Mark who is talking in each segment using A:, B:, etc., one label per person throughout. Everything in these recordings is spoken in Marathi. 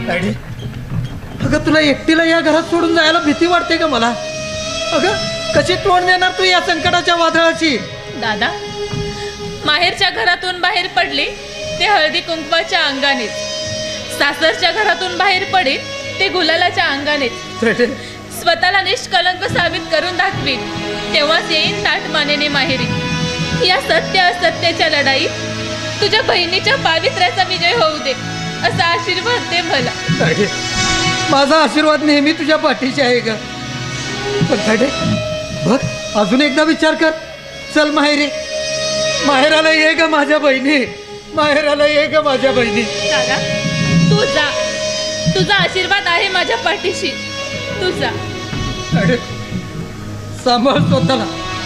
A: डॅडी, अगं तुला एकटीला या घरात सोडून जायला भीती वाटते का मला? अगं कशी तोंड देणार तू या संकटाच्या वादळाची?
B: दादा, माहेरच्या घरातून बाहेर पडले ते हळदी कुंकवाच्या अंगानेच, सासरच्या घरातून बाहेर पडे ते गुलालाच्या अंगानेच. स्वतःला निष्कलंक साबित करून दाखवीन, तेव्हाच येईन ताठ मानेने माहेरी. या सत्य असत्याच्या लढाईत तुझ्या बहिणीच्या पावित्र्याचा विजय होऊ दे, असा आशीर्वाद दे मला.
A: माझा आशीर्वाद नेहमी तुझ्या पाठीशी आहे ग. पण बघ, अजून एकदा विचार कर. चल माहेरी, माहेराला ये ग माझ्या बहिणी, माहेराला ये ग माझ्या बहिणी.
B: दादा, तू जा, तुझा आशीर्वाद आहे माझ्या पाठीशी. तू जा.
A: सांभाळ स्वतःला.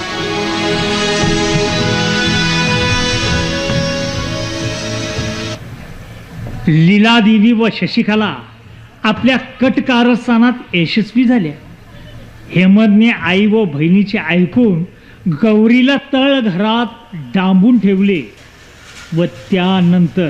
C: लीलादेवी व शशिकला आपल्या कट कारस्थानात यशस्वी झाल्या. हेमंतने आई व बहिणीचे ऐकून गौरीला तळघरात डांबून ठेवले व त्यानंतर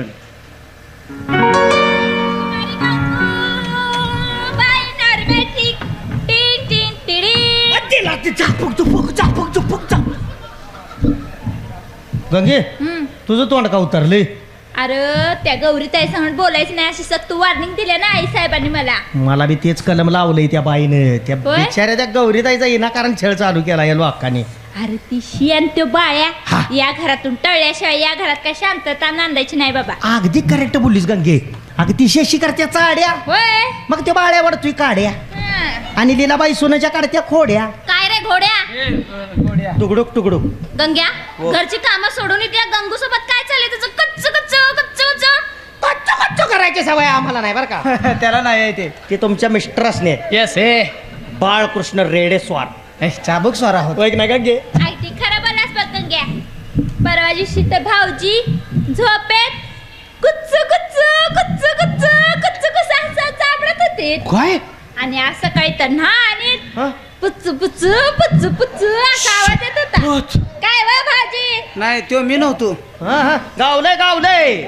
A: गंगे, तुझं तोंड का उतरले?
D: अरे त्या गौरी ताई सांगून बोलायचं नाही अशी सक्त वॉर्निंग दिली ना आई साहेबांनी मला.
E: मला बी तेच कलम लावलंय त्या बाईनं. त्या
D: होय?
E: बिचाऱ्या त्या गौरीताईचा विनाकारण छळ चालू केला या लोकांनी.
D: अरे ती शी आणि तो बाळ्या या घरातून टळल्याशिवाय या घरात काय शांतता नांदायची नाही बाबा.
E: अगदी करेक्ट बोललीस गंगे. अगदी शेशी करत्या चाड्या,
D: होय.
E: मग त्या बाळ्यावर तुही काड्या, आणि लीलाबाई सोन्याच्या काढत्या खोड्या.
D: काय रे घोड्या?
E: तुकडुक तुकडुक.
D: गंग्या, घरची कामं सोडून त्या गंगू सोबत काय चाललंय तुझं? कच्च कच्च कच्च कच्च
E: कच्चो कच्चो करायची सवय आम्हाला नाही बरं का.
F: त्याला नाही
E: ते तुमच्या मिस्टरसने.
F: येस हे
E: बाळकृष्ण रेडेस्वार
F: चाबूक स्वार आहोत.
E: नाही गंगे?
D: आई ती खरं बोलास बघ गंग्या. परवा दिवशी तर भाऊजी झोपेत कुच्च कुच्च कुच्च कुच्च कुच्च कुच्च असं चाबडत होते.
F: काय?
D: आणि आज सकाळी तर ना आणि पुच्च पुच्च पुच्च पुच्च असा आवाज येत होता. काय वा भाजी?
F: नाही तो मी नव्हतो.
E: गावलंय गावलंय.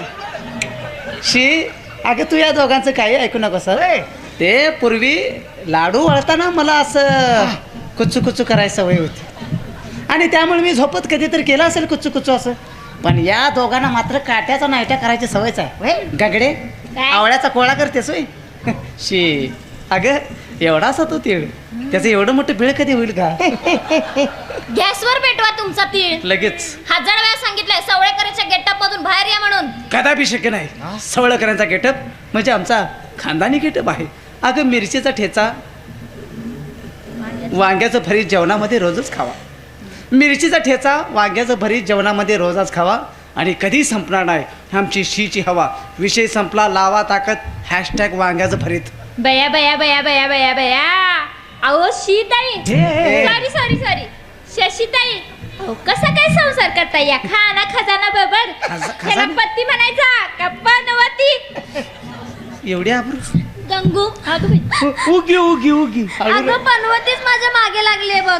F: शी, अगं तू या दोघांचं काही ऐकू नको सर. ते पूर्वी लाडू वळताना मला असं कुच्चू कुच्चू करायची सवय होती, आणि त्यामुळे मी झोपत कधीतरी केलं असेल कुच्चू कुच्चू असं. पण या दोघांना मात्र काट्याचा नायट्या करायची सवयच आहे. गगडे, आवळ्याचा कोळा करतेस होय. शी, अगं एवढासा तो तीळ, त्याचं एवढं मोठं बिळ कधी होईल का?
D: गॅसवर पेटवा तुमचा तीळ.
F: लगेच
D: 1000 वेळा सांगितलंय सवळेकरांच्या गेटअप मधून बाहेर या म्हणून.
F: कदापि शक्य नाही. सवळकरांचा गेटअप म्हणजे आमचा खानदानी गेटअप आहे. अगं मिरचीचा ठेचा, वांग्याचं भरीत जेवणामध्ये रोजच खावा. मिरचीचा ठेचा, वांग्याचं भरीत जेवणामध्ये रोजच खावा, आणि कधी संपणार नाही आमची शीची हवा. विषय संपला, लावा ताकद, हॅशटॅग वांग्याचं भरीत.
D: बया बया बया बया बया बया. अहो Shitai, sorry sorry sorry, Shashitai, अहो कसा काय संसार करता या खाना खजाना बरोबर? त्याला पत्ती म्हणायचा का पनवती?
F: एवढी आबरू
D: गंगू, अगं बाई.
E: उगी उगी उगी.
D: अगं पनवतीच माझ्या मागे लागले बघ.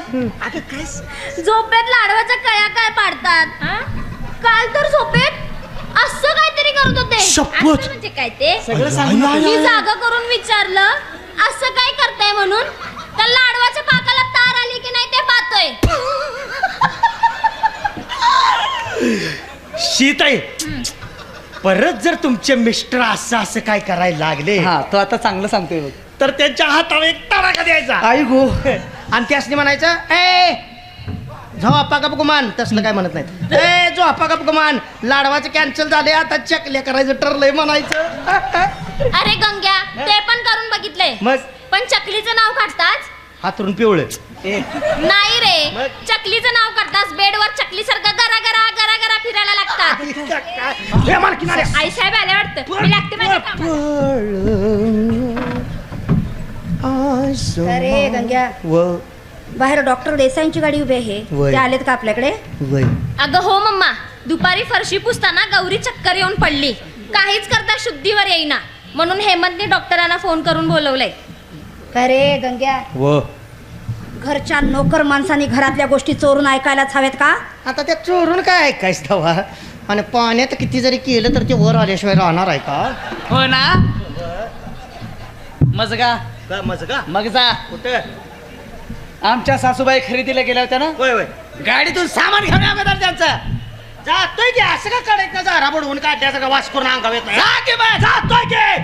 D: झोपेत लाडवाच्या कळ्या काय पाडतात. काल तर झोपेत असं काहीतरी करत होते. असं म्हणजे काय ते
F: सगळं सांग.
D: मी जागा करून विचारलं असं काय करताय म्हणून, तर लाडवाच्या पाकाला तार आली की नाही ते पाहतोय.
E: शीताई, परत जर तुमचे मिस्टर असं असं काय करायला लागले,
F: हा, तो आता चांगलं सांगतोय बघ.
E: तर त्यांच्या हातावर एक तडाखा द्यायचा.
F: आई गो.
E: आणि त्यासनी म्हणायचं, ए झो अप्पा गप गुमान. तसलं काय म्हणत नाही. ए जो अप्पा गप गुमान, लाडवाचं कॅन्सल झाले, आता चकल्या करायचं ठरलंय म्हणायचं.
D: अरे गंग्या, ते पण करून बघितलंय.
E: मग
D: पण चकलीचं नाव काढताच
E: हातरून पिवळं.
D: नाही रे, चकलीचं नाव काढताच बेडवर चकली सारखं गरा गरा गरा गरा फिरायला लागतात.
E: हे मार किनाऱ्या.
D: आई साहेब आले वाटतं. मी लागते माझ्या कामाला.
G: अरे गंग्या, बाहेर डॉक्टर देसाईंची गाडी उभी आहे. ते आलेत का आपल्याकडे?
D: अगं हो मम्मा, दुपारी फरशी पुसताना गौरी चक्कर येऊन पडली. काहीच करता शुद्धीवर येईना, म्हणून हेमंतने डॉक्टरांना फोन करून बोलवलंय.
G: काय रे गंग्या, घरच्या नोकर माणसांनी घरातल्या गोष्टी चोरून ऐकायलाच हव्यात का?
E: आता त्या चोरून काय ऐकायचं तवा? आणि पाण्यात किती जरी केलं तर ते वर आल्याशिवाय राहणार आहे का?
F: हो ना. मजगा
E: का मज का
F: मग जा.
E: कुठं
F: आमच्या सासूबाई खरेदीला गेल्या होत्या ना,
E: होय होय
F: गाडीतून सामान घेऊन अगोदर त्यांचं.
E: जातोय की असं का काढायचं झारा बुडवून काढण्याचं का वास करून अंगाव येत
F: जा की बा.
E: जातोय की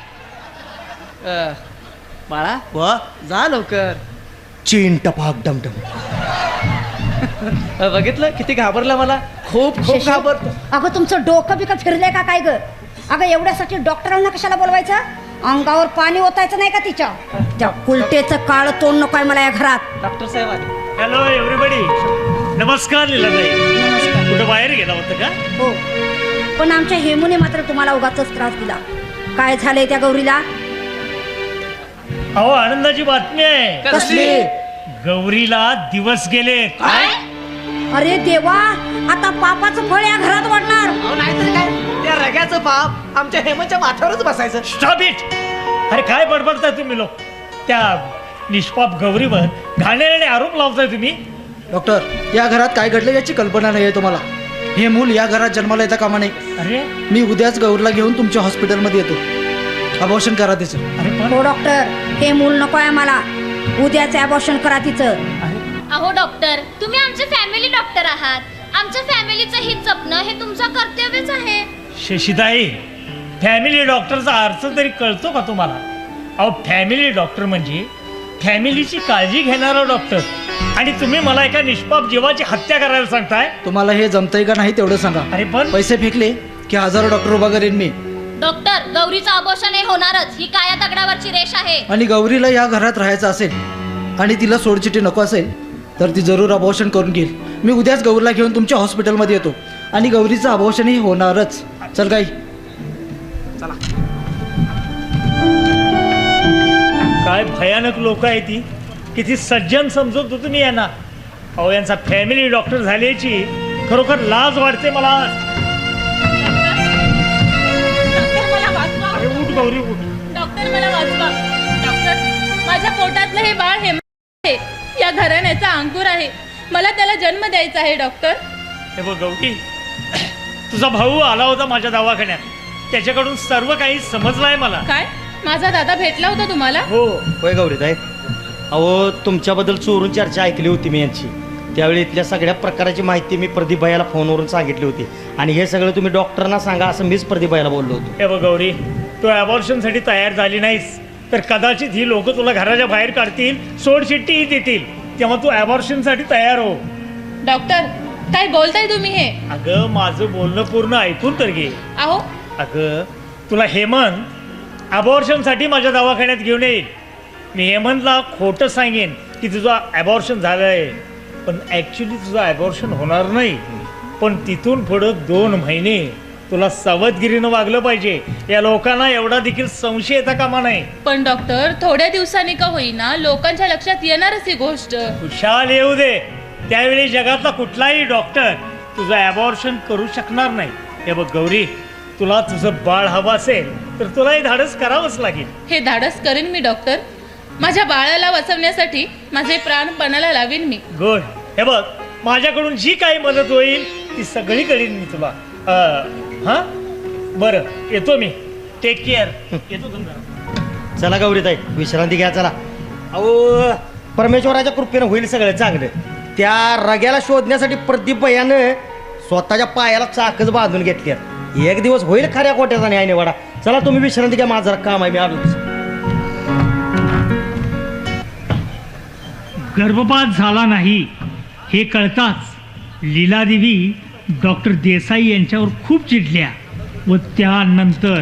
F: बाळा
E: व
F: जा लवकर.
E: चीन टपाक डमडम
F: बघितलं किती घाबरला मला. खूप खूप
G: शशी,
F: घाबरतो.
G: अगं तुमचं डोकं बिकं फिरलंय का काय ग? अगं एवढ्यासाठी डॉक्टरांना कशाला बोलवायचं? अंगावर पाणी ओतायचं नाही का तिच्या? त्या कुलटेचं काळ तोंड नकोय मला या घरात.
F: डॉक्टर साहेब आले.
C: Hello everybody. नमस्कार लीलाताई.
G: नमस्कार.
C: कुठं बाहेर गेला होता का?
G: हो, पण आमच्या हेमूने मात्र तुम्हाला उगाचच त्रास दिला. काय झालंय त्या गौरीला?
C: अहो आनंदाची बातमी आहे.
F: कसली?
C: गौरीला दिवस गेले.
G: अरे देवा, आता पापाचं फळ या घरात वाढणार.
F: अहो नाहीतर काय, त्या रग्याचं पाप आमच्या हेमच्या माथ्यावरच बसायचं.
C: Stop it. अरे काय बडबडताय तुम्ही लोक? त्या निष्पाप गौरीवर घाणेरडे आरोप लावताय तुम्ही.
H: डॉक्टर, या घरात काय घडलं याची कल्पना नाही आहे तुम्हाला. हे मूल या घरात जन्माला येता कामा नाही.
C: अरे
H: मी उद्याच गौरला घेऊन तुमच्या हॉस्पिटलमध्ये येतो. अबॉर्शन करा तिचं.
C: अरे पण
G: हो डॉक्टर, हे मूल नकोय आम्हाला. उद्याच अबॉर्शन करा तिचं.
D: अहो डॉक्टर, तुम्ही आमचे फॅमिली डॉक्टर आहात. आमच्या फॅमिलीचं हित जपणं हे तुमचं कर्तव्यच आहे.
C: शशिताई, फॅमिली डॉक्टरचा अर्थ तरी कळतो का तुम्हाला? अहो फॅमिली डॉक्टर म्हणजे फॅमिलीची काळजी घेणारा डॉक्टर. आणि तुम्ही मला एका निष्पाप जीवाची हत्या करायला सांगताय.
H: तुम्हाला हे जमतंय का नाही तेवढं सांगा.
C: अरे पण
H: पैसे फेकले की हजारो डॉक्टर उभा करेन मी.
D: डॉक्टर, गौरीचं अबॉर्शन हे होणारच. ही काया दगडावरची रेष आहे.
H: आणि गौरीला या घरात राहायचं असेल आणि तिला सोडचिठी नको असेल तर ती जरूर अबॉर्शन करून घेईल. मी उद्याच गौरीला घेऊन तुमच्या हॉस्पिटलमध्ये येतो आणि गौरीचं अबॉर्शनही होणारच. चल गाई.
C: काय भयानक लोक आहे ती. किती सज्जन समजत होतो मी यांना. अहो यांचा फॅमिली डॉक्टर झाल्याची खरोखर लाज वाटते मला.
B: डॉक्टर मला वाचवा.
C: अरे उठ गौरी उठ.
B: डॉक्टर मला वाचवा. डॉक्टर, माझ्या पोटातलं हे बाळ हे आहे. या घराण्याचा अंकुर आहे. मला त्याला जन्म द्यायचा आहे डॉक्टर.
C: हे बघ गौरी, तुझा भाऊ आला होता माझ्या दवाखान्यात. त्याच्याकडून सर्व काही समजलं आहे मला.
B: काय, माझा दादा भेटला होता तुम्हाला?
C: हो.
E: होय गौरीताई. अहो तुमच्याबद्दल चोरून चर्चा ऐकली होती मी यांची. त्यावेळी इथल्या सगळ्या प्रकाराची माहिती मी प्रदीप भाईला फोनवरून सांगितली होती. आणि हे सगळं तुम्ही डॉक्टरांना सांगा असं मीच प्रदीप भाईला बोललो होतो.
C: हे बघ गौरी, तू अबॉर्शनसाठी तयार झाली नाहीस तर कदाचित ही लोक तुला घराच्या बाहेर काढतील, सोडचिठ्ठीही देतील. तेव्हा तू अबॉर्शनसाठी तयार हो.
B: डॉक्टर, काय बोलताय तुम्ही हे?
C: अगं माझं बोलणं पूर्ण ऐकून तर घे.
B: अहो
C: अगं तुला हेमंत अबॉर्शनसाठी माझ्या दवाखान्यात घेऊन येईल. मी हेमंतला खोटं सांगेन की तुझं अबॉर्शन झालं आहे, पण ॲक्च्युली तुझं अबॉर्शन होणार नाही. पण तिथून पुढं 2 महिने तुला सावधगिरीनं वागलं पाहिजे. या लोकांना एवढा देखील संशय येता कामा नाही.
B: पण डॉक्टर, थोड्या दिवसांनी का होईना लोकांच्या लक्षात येणारच ही गोष्ट.
C: खुशाल येऊ दे. त्यावेळी जगातला कुठलाही डॉक्टर तुझं अबॉर्शन करू शकणार नाही. हे बघ गौरी, तुला तुझं बाळ हवं असेल तर तुला हे धाडस करावंच लागेल.
B: हे धाडस करेन मी डॉक्टर. माझ्या बाळाला वाचवण्यासाठी माझे प्राण पणाला लावीन मी.
C: गुड. हे बघ, माझ्याकडून जी काही मदत होईल ती सगळी करीन मी तुला. हां बरं, येतो मी. Take care. येतो तुमचा.
E: चला गौरीताई, विश्रांती घ्या. चला. अहो परमेश्वराच्या कृपेनं होईल सगळं चांगलं. त्या रग्याला शोधण्यासाठी प्रदीप भैयानं स्वतःच्या पायाला चाकच बांधून घेतली. एक दिवस होईल खऱ्या कोट्याचा न्याय निवाडा. चला तुम्ही विश्रांती घ्या, माझं जरा काम आहे, मी आलो.
C: गर्भपात झाला नाही हे कळताच लीलादेवी डॉक्टर देसाई यांच्यावर खूप चिडल्या व त्यानंतर.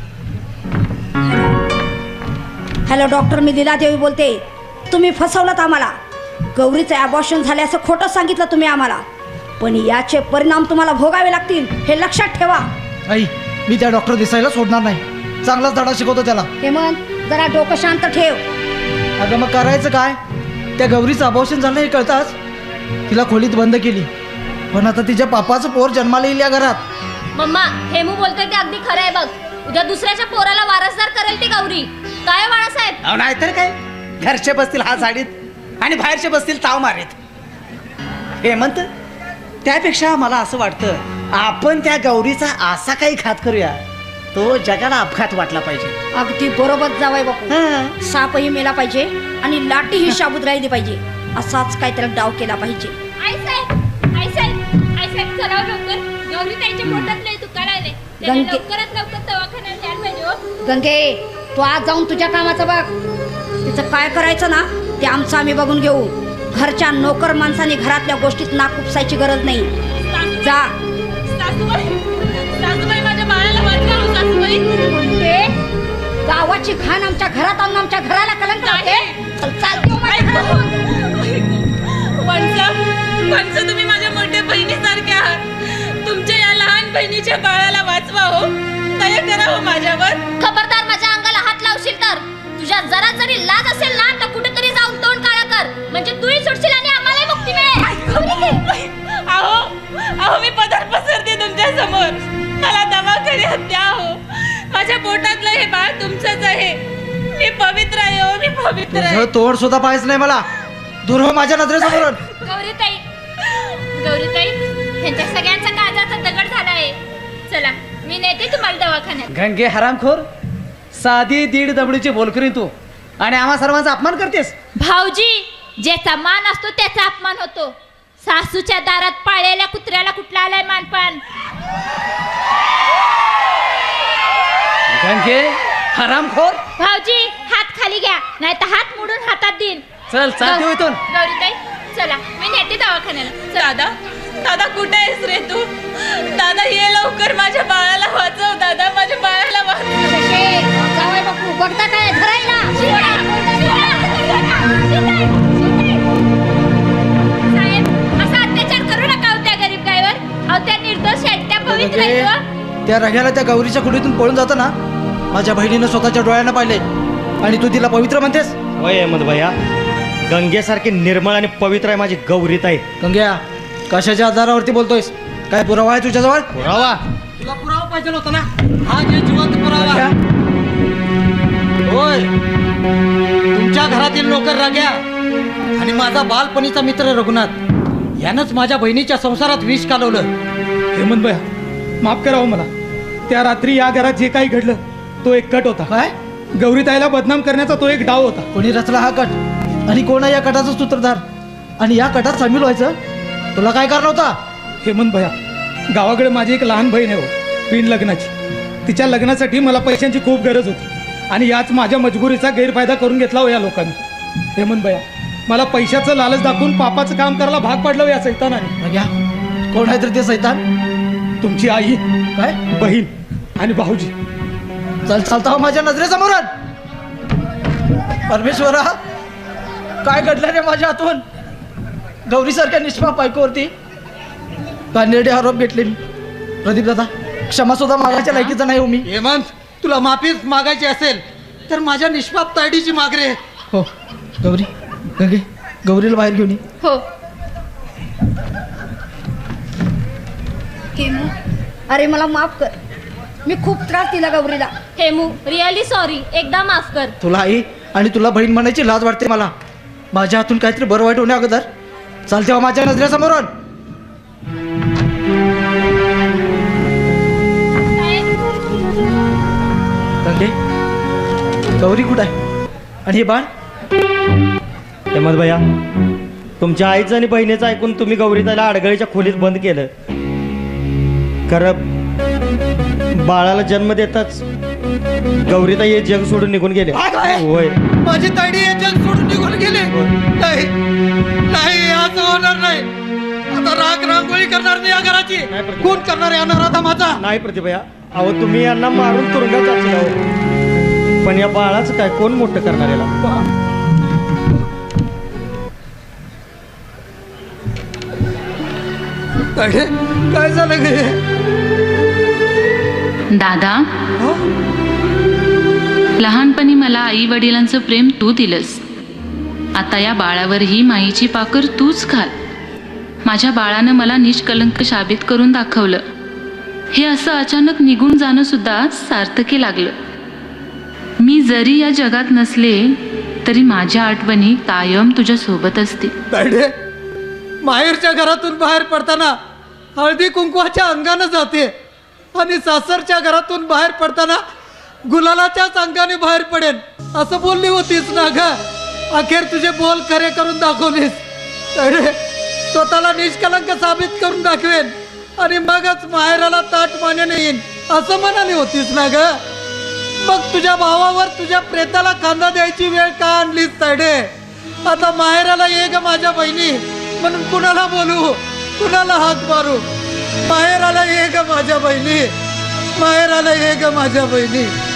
G: हॅलो डॉक्टर, मी लीलादेवी बोलते. तुम्ही फसवलात आम्हाला. गौरीचं अबॉर्शन झाले असं खोटं सांगितलं तुम्ही आम्हाला, पण याचे परिणाम तुम्हाला भोगावे लागतील हे लक्षात ठेवा.
H: आई, मी त्या डॉक्टर देसाईला सोडणार नाही. चांगलाच धडा शिकवतो त्याला.
G: हेमंत, जरा डोकं शांत ठेव.
H: अगं मग करायचं काय? त्या गौरीचं अबॉर्शन झालं हे कळताच तिला खोलीत बंद केली. पण आता तिच्या पापाचं पोर जन्माला येईल या घरात.
D: मम्मा, हेमू बोलतोय ते अगदी खरं आहे बघ. उद्या दुसऱ्याच्या पोराला वारसदार करेल ती गौरी. काय बाळासाहेब?
F: अहो नाहीतर काय, घरचे बसतील हात झाडीत आणि बाहेरचे बसतील ताव मारीत. हेमंत, त्यापेक्षा मला असं वाटतं आपण त्या गौरीचा असा काही घात करूया तो जगाला अपघात वाटला पाहिजे.
G: अगदी बरोबर जावाय बापू.
F: हं.
G: सापही मेला पाहिजे आणि लाटीही शाबूत राहिली पाहिजे. असाच काहीतरी डाव केला पाहिजे.
D: आई साहेब चला लवकर. गौरी ताईच्या पोटात लय दुखायला लागले. त्याला
G: गंगे-
D: लवकरात लवकर दवाखान्यात न्यायला पाहिजे हो.
G: गंगे तू आज जाऊन तुझ्या कामाचं बघ. तिचं काय करायचं ना ते आमचं आम्ही बघून घेऊ. घरच्या नोकर माणसाने घरातल्या गोष्टीत नाक उपसायची गरज नाही. जा.
B: सासूबाई माझ्या बाळाला वाचवा हो, सासूबाई.
G: ते गावाची घाण आमच्या घरात आणून आमच्या घराला कलंक लावते. चालते हो माझ्या घरातून.
B: वंश तुम्ही माझ्या मोठ्या बहिणीसारखे आहात. तुमच्या या लहान बहिणीच्या बाळाला वाचवा हो. दया करा हो माझ्यावर.
D: खबरदार माझ्या अंगाला हात लावशील तर तुझ्या जरा जरी लाज असेल ना तर कुठेतरी जाऊन तोंड काळा कर. म्हणजे तूही सुटशील आणि आम्हालाही मुक्ती मिळेल.
B: अहो मी पदर पसरते तुमच्या समोर. मला दवाखान्यात द्या हो. माझ्या पोटातलं हे बाळ तुमचंच आहे. मी पवित्र आहे हो. मी पवित्र आहे.
H: तुझं तोड सुद्धा पाहायचं नाही मला. दूर हो माझ्या नजरेसमोरून.
D: गौरीताई ह्यांच्या सगळ्यांचा काळजाचा दगड झाला आहे. चला मी नेते तुम्हाला दवाखान्यात.
F: गंगे हरामखोर, साधी दीड दबडीची बोलकरी तू आणि आम्हा सर्वांचा अपमान करतेस.
D: भाऊजी ज्याचा मान असतो त्याचा अपमान होतो. सासूच्या दारात पाळलेल्या कुत्र्याला कुठला आलाय मानपान.
F: गंगे हरामखोर,
D: भाऊजी हात खाली घ्या नाही तर हात मोडून हातात देईन.
F: चल चालते हो इथून.
D: गौरीताई चला मी नेते दवाखान्याला.
B: दादा कुठे आहेस रे तू? दादा ये लवकर. माझ्या बाळाला वाचव दादा. माझ्या बाळाला वाचव.
G: जावाय बापू बघता काय धरायला.
D: साहेब असा अत्याचार करू नका हो त्या गरीब गायवर. अहो त्या निर्दोष आहेत, त्या पवित्र आहेत हो.
H: त्या रग्याला त्या गौरीच्या कुडीतून पळून जातं ना माझ्या बहिणीनं स्वतःच्या डोळ्यानं पाहिले आणि तू तिला पवित्र म्हणतेस.
E: वय अहमद भैया, गंगेसारखी निर्मळ आणि पवित्र आहे माझी गौरीताई.
H: गंग्या कशाच्या आधारावरती बोलतोयस? काय पुरावा आहे तुझ्याजवळ?
E: पुरावा?
A: तुला पुरावा पाहिजे होता ना. हा जे जिवंत पुरावा. होय, तुमच्या घरातील नोकर राग्या आणि माझा बालपणीचा मित्र रघुनाथ यानंच माझ्या बहिणीच्या संसारात विष कालवलं.
I: हेमंत भैया माफ करा हो मला. त्या रात्री या घरात जे काही घडलं तो एक कट होता.
H: काय?
I: गौरीताईला बदनाम करण्याचा तो एक डाव होता.
H: कोणी रचला हा कट आणि कोण आहे या कटाचा सूत्रधार? आणि या कटात सामील व्हायचं तुला काय कारण होता?
I: हेमंत भैया गावाकडे माझी एक लहान बहीण आहे हो, बिन लग्नाची. तिच्या लग्नासाठी मला पैशांची खूप गरज होती आणि याच माझ्या मजबुरीचा गैरफायदा करून घेतला हो या लोकांनी. हेमंत भैया मला पैशाचं लालच दाखवून पापाचं काम करायला भाग पाडलं हो या सैतानाने.
H: रग्या कोण आहे तर ते सैतान?
I: तुमची आई,
H: काय?
I: बहीण आणि भाऊजी.
H: चल चालता हो माझ्या नजरेसमोर. परमेश्वरा काय घडलं रे माझ्या हातून? गौरीसारख्या निष्पाप बायकोवरती कानेरडे आरोप घेतले मी. प्रदीप दादा क्षमा सुद्धा मागायच्या लायकीचा नाही हो मी.
A: हेमंत तुला माफीच मागायची असेल तर माझ्या निष्पाप तायडीची माग रे.
H: हो गौरी, गंगे गौरीला बाहेर घेऊन ये.
D: हो
G: हेमू अरे मला माफ कर. मी खूप त्रास दिला गौरीला.
D: Hemu really sorry. एकदा माफ कर.
H: तुला आई आणि तुला बहीण म्हणायची लाज वाटते मला. माझ्या हातून काहीतरी बरं वाईट होण्या अगोदर चालते हो माझ्या नजरेसमोरून. गंगे गौरी कुठं आहे आणि हे बाळ?
E: अहमद भैया तुमच्या आईचं आणि बहिणीचं ऐकून तुम्ही गौरीताईला अडगळीच्या खोलीत बंद केलं. खरं बाळाला जन्म देताच गौरीताई हे जग सोडून निघून गेले.
A: काय?
E: होय.
A: माझी तायडी हे जग सोडून निघून गेले. नाही नाही असं होणार नाही. आता राग रांगोळी करणार नाही या घराची.
E: नाही प्रतिभा.
A: कोण करणार आहे अनाराधा माझा?
E: नाही प्रतिभया, अहो तुम्ही यांना मारून तुरुंगात जातील अहो. पण या बाळाचं काय कोण मोठं करणार याला?
A: काय झालं गे?
B: दादा लहानपणी मला आई वडिलांचं प्रेम तू दिलंस. आता या बाळावरही माईची पाकर तूच घाल. माझ्या बाळानं मला निष्कलंक साबित करून दाखवलं. हे असं अचानक निघून जाणं सुद्धा सार्थकी लागलं. मी जरी या जगात नसले तरी माझ्या आठवणी कायम तुझ्या सोबत असतील.
A: माहेरच्या घरातून बाहेर पडताना हळदी कुंकवाच्या अंगानं जाते आणि सासरच्या घरातून बाहेर पडताना गुलालाच्याच अंगाने बाहेर पडेन असं बोलली होतीस ना ग. अखेर तुझे बोल खरे करून दाखवलीस. अरे स्वतःला निष्कलंक साबित करून दाखवेन आणि मगच माहेराला ताट मानेने येईन असं म्हणाली होतीस ना ग. मग तुझ्या भावावर तुझ्या प्रेताला खांदा द्यायची वेळ का आणलीस तायडे? आता माहेराला ये ग माझ्या बहिणी म्हणून कुणाला बोलू, कुणाला हाक मारू? माहेराला ये ग माझ्या बहिणी, माहेराला ये ग माझ्या बहिणी.